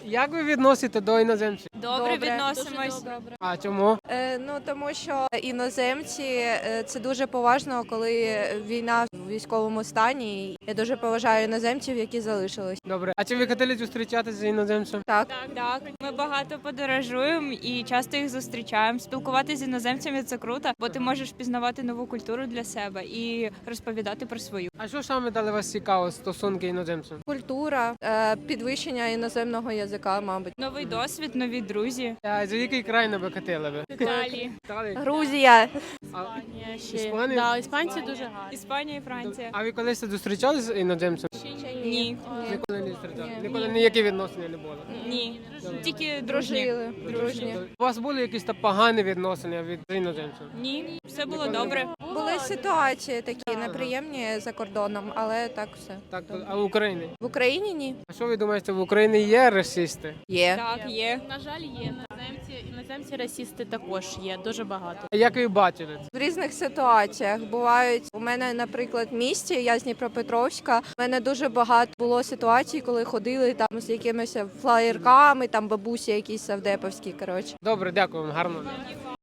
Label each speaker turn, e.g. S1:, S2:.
S1: Як ви відносите до іноземців?
S2: Добре відносимось.
S1: А чому?
S3: Тому що іноземці це дуже поважно, коли війна в військовому стані. Я дуже поважаю іноземців, які залишились.
S1: Добре. А чи ви хотіли зустрічатися з іноземцем?
S3: Так.
S2: Так, ми багато подорожуємо і часто їх зустрічаємо. Спілкуватися з іноземцями це круто, бо ти можеш пізнавати нову культуру для себе і розповідати про свою.
S1: А що саме дали вас цікаво стосунки іноземцям?
S3: Культура, підвищення іноземного язика, мабуть.
S2: Новий досвід, нові друзі.
S1: А за який край ви хотіли би?
S2: Італії,
S1: Італія?
S3: Грузія.
S1: А,
S4: Іспанія? Да, іспанці дуже гарні.
S2: Іспанія і Франція.
S1: а ви колись зустрічалися з іноземцем?
S2: Ні,
S1: Ніколи не зустрічали? Ніколи ніякі відносини не було?
S2: ні, тільки дружні.
S3: Дружні.
S1: У вас були якісь там погані відносини від іноземців?
S2: Ні, все було добре.
S3: Були ситуації такі неприємні за кордоном, але так все.
S1: Так, а в Україні?
S3: В Україні ні.
S1: А що ви думаєте, в Україні є расисти?
S3: Є.
S2: Так, є.
S4: На жаль, є. Іноземці расісти також є, дуже багато.
S1: А як ви бачили це?
S3: В різних ситуаціях бувають. У мене, наприклад, в місті, я з Дніпропетровська, у мене дуже багато було ситуацій, коли ходили там з якимись флаєрками, там бабусі якісь савдеповські, коротше.
S1: Добре, дякую вам, гарно.